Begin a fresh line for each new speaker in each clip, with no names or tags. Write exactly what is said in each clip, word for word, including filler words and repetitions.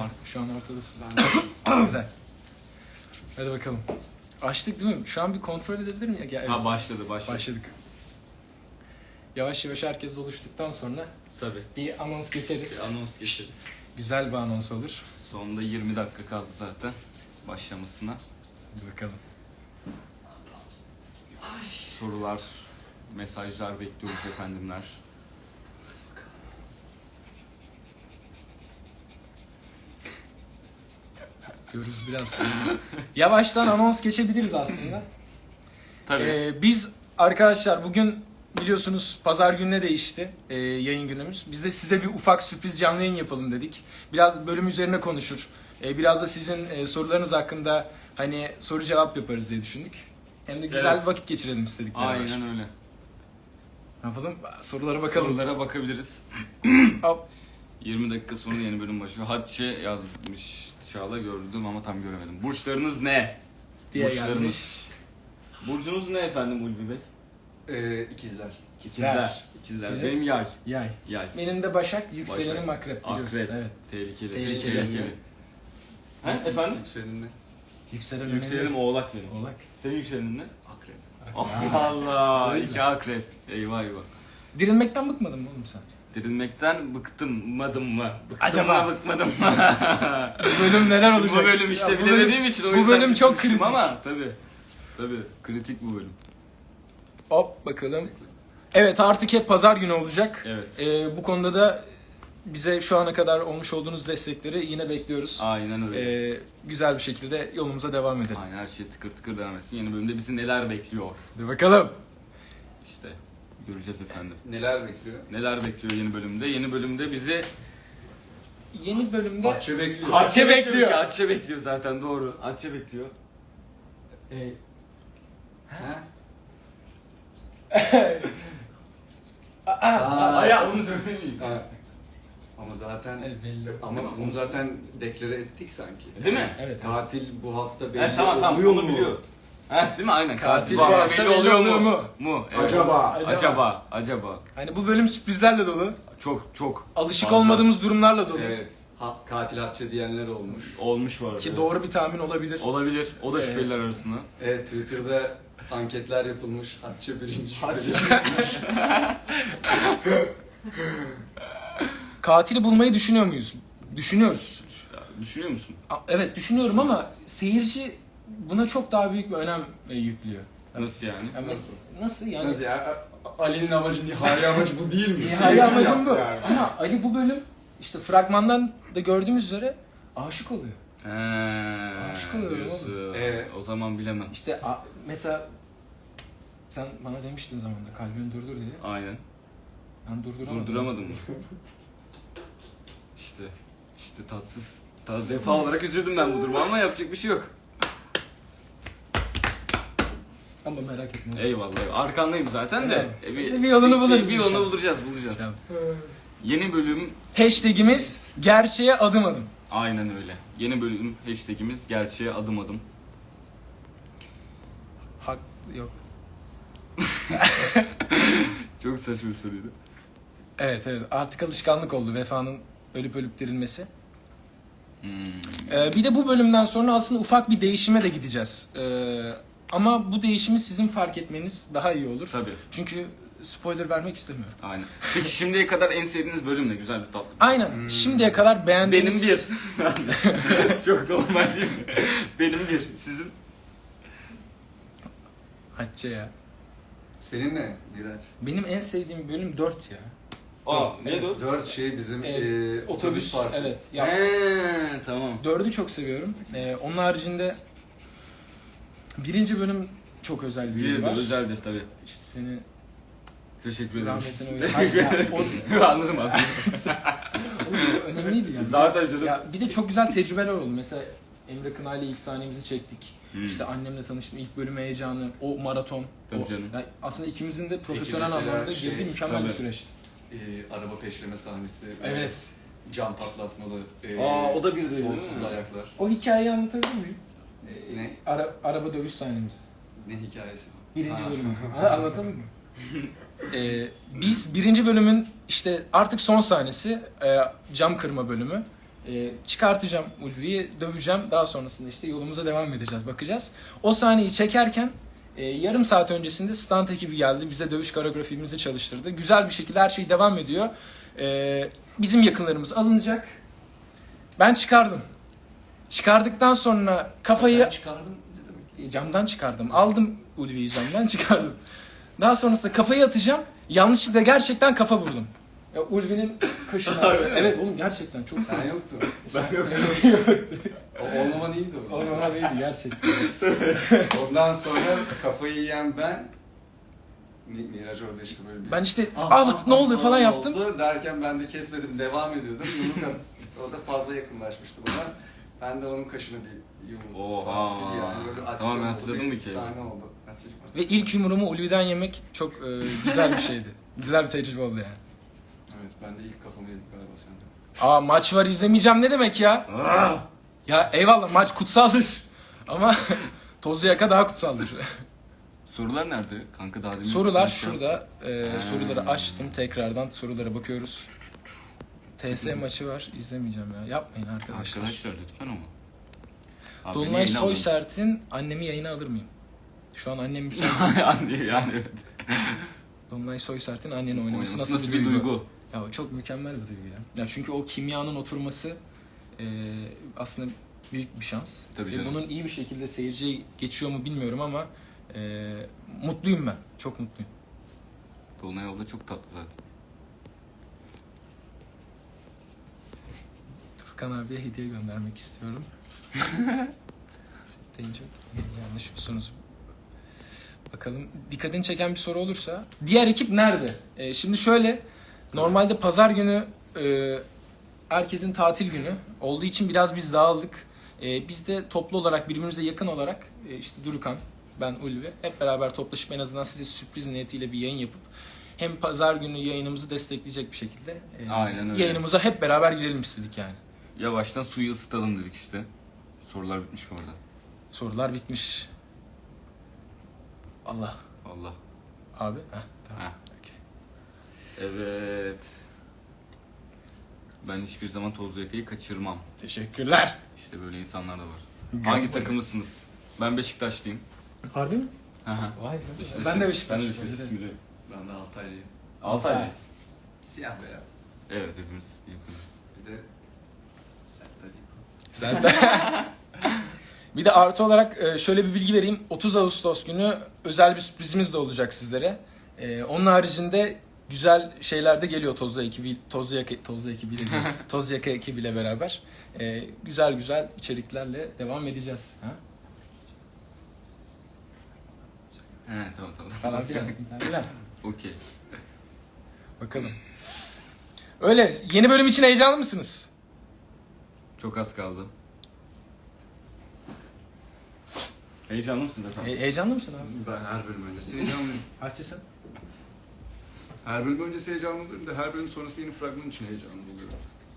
varsın.
Şu an ortadasın. Güzel. Hadi bakalım. Açtık değil mi? Şu an bir kontrol edebilir miyim? Ya, evet.
Ha başladı başladı.
Başladık. Yavaş yavaş herkes oluştuktan sonra
Tabii.
bir anons geçeriz.
Bir anons geçeriz.
Güzel bir anons olur.
Sonunda yirmi dakika kaldı zaten başlamasına.
Hadi bakalım.
Sorular, mesajlar bekliyoruz efendimler.
Görürüz biraz. Yavaştan anons geçebiliriz aslında.
Tabii.
Ee, biz arkadaşlar bugün biliyorsunuz pazar gününe değişti e, yayın günümüz. Biz de size bir ufak sürpriz canlı yayın yapalım dedik. Biraz bölüm üzerine konuşur. E, biraz da sizin e, sorularınız hakkında hani soru cevap yaparız diye düşündük. Hem de güzel
Evet.
bir vakit geçirelim istedik. beraber.
Aynen öyle.
Ne yapalım? Sorulara bakalım.
Sorulara bakabiliriz.
Hop.
yirmi dakika sonra yeni bölüm başlıyor. Hatice yazmış Çağla gördüm ama tam göremedim. Burçlarınız ne?
Diye
Burçlarınız.
gelmiş.
Burcunuz ne efendim Ulvi Bey?
Ee, ikizler.
İkizler. İkizler.
Senin?
Benim yay.
Yay.
Yay.
Benim de Başak, yükselenim
Başak.
Akrep biliyorsun.
Akrep.
Evet.
Tehlikeli.
Tehlikeli.
Tehlikeli. Ha efendim?
Yükselenin ne?
Yükselen
Yükselenim
önemli.
Oğlak benim.
Oğlak.
Senin yükselenin ne?
Akrep.
Allah Allah.
Güzel.
İki akrep. Eyvah eyvah.
Dirilmekten bıkmadın mı oğlum sen?
Dirilmekten bıktım madım mı? Bıktım
Acaba?
mı bıkmadım mı?
Bu bölüm neler
Şimdi
olacak?
bu bölüm işte
Ya bu
bilemediğim
bölüm-
için o
bu
yüzden
bölüm çok
düşünmüştüm
kritik.
ama tabii. Tabii kritik bu bölüm.
Hop bakalım. Evet artık hep pazar günü olacak.
Evet.
Ee, bu konuda da bize şu ana kadar olmuş olduğunuz destekleri yine bekliyoruz.
Aynen öyle.
Ee, güzel bir şekilde yolumuza devam edelim.
Aynen her şey tıkır tıkır devam etsin. Yeni bölümde bizi neler bekliyor?
Hadi bakalım.
İşte göreceğiz efendim.
Neler bekliyor?
Neler bekliyor yeni bölümde? Yeni bölümde bizi
Yeni bölümde...
Bahçe bekliyor.
Hatçe bekliyor.
ki, Hatçe bekliyor zaten doğru. Hatçe bekliyor.
Ee,
Ha?
aa,
Aa,
Ay ya onu söylemeyeyim.
Ha. Ama zaten
evet, belli.
ama bunu zaten deklare ettik sanki.
Değil mi?
Evet.
Katil bu hafta belli
Evet, tamam tamam
oluyor
onu
mu?
biliyor. Heh, değil mi? Aynen.
Katil
bu hafta belli oluyor mu?
mu?
Mu? Evet.
Acaba?
Acaba?
Acaba. Acaba.
Hani bu bölüm sürprizlerle dolu.
Çok çok.
Alışık
fazla
olmadığımız durumlarla dolu.
Evet. Ha, katil Hatçe diyenler olmuş.
olmuş var.
Ki doğru bir tahmin olabilir.
Olabilir. O da
Evet.
şüpheliler arasında.
Evet, Twitter'da anketler yapılmış. Hatçe birinci
Hatçe.
şüpheli.
Katili bulmayı düşünüyor muyuz? Düşünüyoruz.
Düşünüyor musun?
A- Evet düşünüyorum ama seyirci buna çok daha büyük bir önem e, yüklüyor.
Nasıl yani?
Yani
Nasıl?
Nasıl yani?
Nasıl ya? Ali'nin amacı, nihai amacı bu değil mi?
Nihai
Seyirci
amacım
yaptı
bu.
yani.
Ama Ali bu bölüm işte fragmandan da gördüğümüz üzere aşık oluyor.
He.
Aşk oluyor
diyorsun.
Evet.
O zaman bilemem.
İşte a- mesela sen bana demiştin zamanında kalbini durdur diye.
Aynen.
Ben durduramadım.
Durduramadım mı? İşte. İşte tatsız. Ta defa olarak üzüldüm ben bu duruma ama yapacak bir şey yok.
Ama merak etme.
Eyvallah. Arkandayım zaten de.
Evet.
E,
Bir yolunu buluruz
Bir, bir yolunu
inşallah.
bulacağız, bulacağız.
Tamam.
Yeni bölüm
Hashtagimiz gerçeğe adım adım.
aynen öyle. Yeni bölüm hashtagimiz gerçeğe adım adım.
Hak yok.
Çok saçma bir soruydu.
Evet evet artık alışkanlık oldu vefanın ölüp ölüp dirilmesi.
Hmm.
Ee, bir de bu bölümden sonra aslında ufak bir değişime de gideceğiz. Ee, ama bu değişimi sizin fark etmeniz daha iyi olur.
Tabii.
Çünkü spoiler vermek istemiyorum.
Aynen. Peki şimdiye kadar en sevdiğiniz bölüm ne? Güzel bir tatlı.
Aynen. Şimdiye kadar beğendiğiniz...
Benim bir. Çok normal değil mi? Benim bir. Sizin?
Hatice ya.
Senin ne? Birer.
Benim en sevdiğim bölüm dört ya.
Aa, neydi o?
Dört şey bizim
Evet,
e,
Otobüs.
parti.
Evet. Ya,
Eee, tamam.
dördü çok seviyorum. Ee, onun haricinde birinci bölüm çok özel bir
Bir
yeri
de
var.
özeldir tabii.
İşte seni
Teşekkür ederim.
rahmetine
Teşekkür
uysun.
ederim. Anladım abi.
Oğlum, bu önemliydi yani.
Zaten canım.
Ya bir de çok güzel tecrübeler oldu. Mesela Emre Kınay'la ilk sahnemizi çektik.
Hmm.
İşte annemle tanıştım. İlk bölüm heyecanı, o maraton.
Tabii
o,
canım.
yani aslında ikimizin de profesyonel
mesela
anlamda
şey,
girdiği mükemmel bir
tabii.
süreçti.
E, araba peşleme sahnesi.
Evet.
Cam patlatmalı. E,
Aa, o da bir de değil mi?
sonsuz ayaklar.
O hikayeyi anlatabilir miyim?
E, ne?
Ara, araba dövüş sahnemiz.
Ne hikayesi bu?
Birinci
Ha.
bölüm. Ha, anlatalım mı? Ee, biz birinci bölümün işte artık son sahnesi e, cam kırma bölümü. E, çıkartacağım Ulvi'yi, döveceğim. Daha sonrasında işte yolumuza devam edeceğiz, bakacağız. O sahneyi çekerken e, yarım saat öncesinde stunt ekibi geldi. Bize dövüş koreografimizi çalıştırdı. Güzel bir şekilde her şey devam ediyor. E, bizim yakınlarımız alınacak. Ben çıkardım. Çıkardıktan sonra kafayı...
Ben çıkardım ne demek?
E, Camdan çıkardım. Aldım Ulvi'yi camdan çıkardım. Daha sonrasında kafayı atacağım. Yanlışlıkla gerçekten kafa vurdum. Ya Ulvi'nin kaşına. Evet oğlum gerçekten çok.
Sen yoktun.
Ben yok.
O olmaman iyiydi o.
O zaman değildi gerçekten.
Ondan sonra kafayı yiyen ben Mi- Miraç orada işte böyle bir...
Ben işte
Ah,
ah,
ah,
ne oldu
ah,
falan
ah
yaptım.
oldu derken ben de kesmedim, devam ediyordum. Yumruk at- o da fazla yakınlaşmıştı bana. Ben de onun kaşını bir yumruk
Oha.
attı yani. Böyle aksiyon
Tamam, ben
oldu,
hatırladım
bir
bir kere.
sahne oldu. Kaç yaşım var?
Ve ilk yumruğumu Ulvi'den yemek çok e, güzel bir şeydi. Güzel bir tecrübe oldu yani.
Evet, ben de ilk kafamı yedim galiba sende.
Aa maç var izlemeyeceğim ne demek ya? Ya eyvallah maç kutsaldır. Ama Tozlu Yaka daha kutsaldır.
Sorular nerede? Kanka daha demin
Sorular
sen şey
şurada. E,
Ha.
soruları açtım tekrardan sorulara bakıyoruz. T S maçı var izlemeyeceğim ya. Yapmayın arkadaşlar.
Arkadaşlar lütfen ama. Abi,
Dolunay
beni yayına alın.
Soysert'in annemi yayına alır mıyım? Şu an annem müsait.
yani, yani evet.
Dolunay Soysert'in anneni oynaması
Oynaması
nasıl,
nasıl
bir
bir
duygu?
duygu?
Ya o çok mükemmel bir duygu ya. Ya çünkü o kimyanın oturması e, aslında büyük bir şans.
Tabii
Ve
canım.
bunun iyi bir şekilde seyirciye geçiyor mu bilmiyorum ama e, mutluyum ben. Çok mutluyum.
Dolunay abla çok tatlı zaten.
Furkan abiye hediye göndermek istiyorum. Deyince yanlış musunuz? Bakalım dikkatini çeken bir soru olursa. Diğer ekip nerede? Ee, şimdi şöyle. Normalde pazar günü e, herkesin tatil günü olduğu için biraz biz dağıldık. E, biz de toplu olarak birbirimize yakın olarak e, işte Durukan, ben Ulvi hep beraber toplaşıp en azından size sürpriz niyetiyle bir yayın yapıp hem pazar günü yayınımızı destekleyecek bir şekilde e,
Aynen öyle.
yayınımıza hep beraber girelim istedik yani.
Yavaştan suyu ısıtalım dedik işte. Sorular bitmiş mi orada?
Sorular bitmiş. Allah.
Allah.
Abi. Heh, tamam.
Ha.
Okey.
Evet. Ben hiçbir zaman Tozlu Yaka'yı kaçırmam.
Teşekkürler.
İşte böyle insanlar da var.
Gel
Hangi
buraya.
takımlısınız? Ben Beşiktaşlıyım.
Harbi mi?
Hı hı.
Vay be.
Beşiktaşlıyım.
Ben de Beşiktaş.
Sen de Beşiktaşlısın bile.
Ben de Altaylıyım.
Altaylıyız.
Siyah beyaz.
Evet hepimiz yakınız.
Bir de Sertaliko.
Zaten. Bir de artı olarak e, şöyle bir bilgi vereyim. otuz Ağustos günü özel bir sürprizimiz de olacak sizlere. E, Onun haricinde güzel şeyler de geliyor Tozlu ekibi, Tozlu Yaka, Tozlu ekibiyle değil, Tozlu Yaka ekibiyle beraber. E, Güzel güzel içeriklerle devam edeceğiz. Ha?
He tamam tamam.
Falan filan. falan filan.
Okey.
Bakalım. Öyle. Yeni bölüm için heyecanlı mısınız?
Çok az kaldı. Heyecanlı mısın efendim?
He- heyecanlı mısın abi?
Ben her bölüm öncesi heyecanlıyım.
Açısın.
Her bölüm öncesi heyecanlıyım da her bölüm sonrası yeni fragman için heyecanlı oluyorum.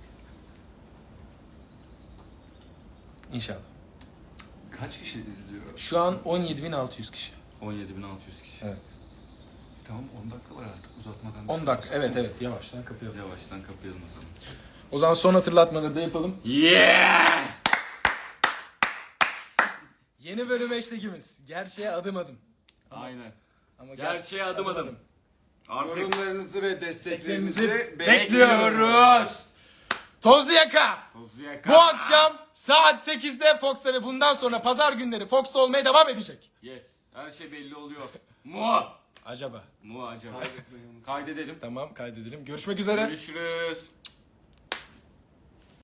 İnşallah.
Kaç kişi izliyor?
Şu an on yedi bin altı yüz kişi.
on yedi bin altı yüz kişi.
Evet.
Tamam on dakika var artık uzatmadan.
on dakika. Evet evet. Yavaştan kapayalım.
Yavaştan kapayalım o zaman.
O zaman son hatırlatmaları da yapalım.
Yeah!
Yeni bölüm hashtagimiz. Gerçeğe adım adım.
Aynen.
Ama ger-
Gerçeğe adım adım. Artık
Yorumlarınızı ve
Desteklerinizi
desteklerinizi
bekliyoruz. Tozlu Yaka.
Tozlu Yaka.
Bu akşam saat sekizde Fox'ta ve bundan sonra pazar günleri Fox'ta olmaya devam edecek.
Yes. Her şey belli oluyor. Mu.
Acaba.
Mu acaba.
Kaydetmeyi unutmayın.
Kaydedelim.
Tamam kaydedelim. Görüşmek üzere.
Görüşürüz.